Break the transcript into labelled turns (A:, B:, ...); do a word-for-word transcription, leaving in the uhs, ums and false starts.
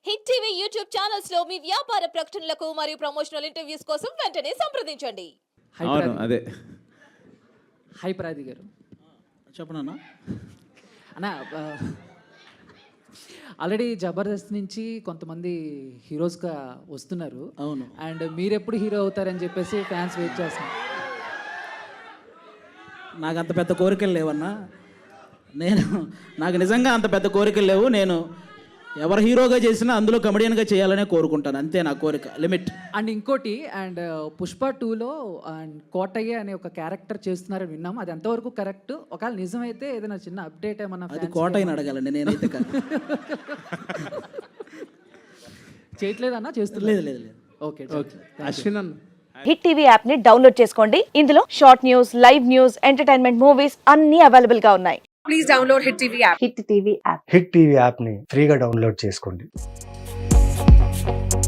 A: Hit TV YouTube channels లో మీ వ్యాపార ప్రకటనలకు మరియు ప్రమోషనల్ ఇంటర్వ్యూస్ కోసం వెంటనే సంప్రదించండి.
B: అవును అదే
C: హై ప్రాది గారు
D: చెప్పనన్నా
C: అన్న, ఆల్రెడీ జబర్దస్త్ నుంచి కొంతమంది హీరోస్గా వస్తున్నారు.
D: అవును.
C: అండ్ మీరు ఎప్పుడు హీరో అవుతారని చెప్పేసి ఫ్యాన్స్ వెయిట్ చేస్తున్నారు.
D: నాకు అంత పెద్ద కోరికలు లేవన్నా. నేను నాకు నిజంగా అంత పెద్ద కోరికలు లేవు. నేను ఎవరు హీరోగా చేసినా అందులో కమెడియన్గా చేయాలనే కోరుకుంటాను, అంతే నా కోరిక, లిమిట్.
C: అండ్ ఇంకోటి, అండ్ పుష్ప టూలో అండ్ కోటయ్య అనే ఒక క్యారెక్టర్ చేస్తున్నారని విన్నాము. అది ఎంతవరకు కరెక్ట్? ఒకవేళ నిజమైతే ఏదైనా చిన్న అప్డేట్ ఏమన్నా?
D: అది కోటయ్యని అడగాలండి, నేనైతే కాదు.
C: చేయట్లేదన్నా? చేస్తుంది?
D: లేదు లేదు లేదు.
C: Okay okay.
B: అశ్విన్ అన్న
E: హిట్ టీవీ యాప్ ని డౌన్లోడ్ చేసుకోండి. ఇందులో short news, live news, entertainment movies అన్ని అవైలబుల్ గా ఉన్నాయి. Please download hit TV app. Hit TV app
F: hit TV యాప్ని ఫ్రీగా డౌన్లోడ్ చేసుకోండి.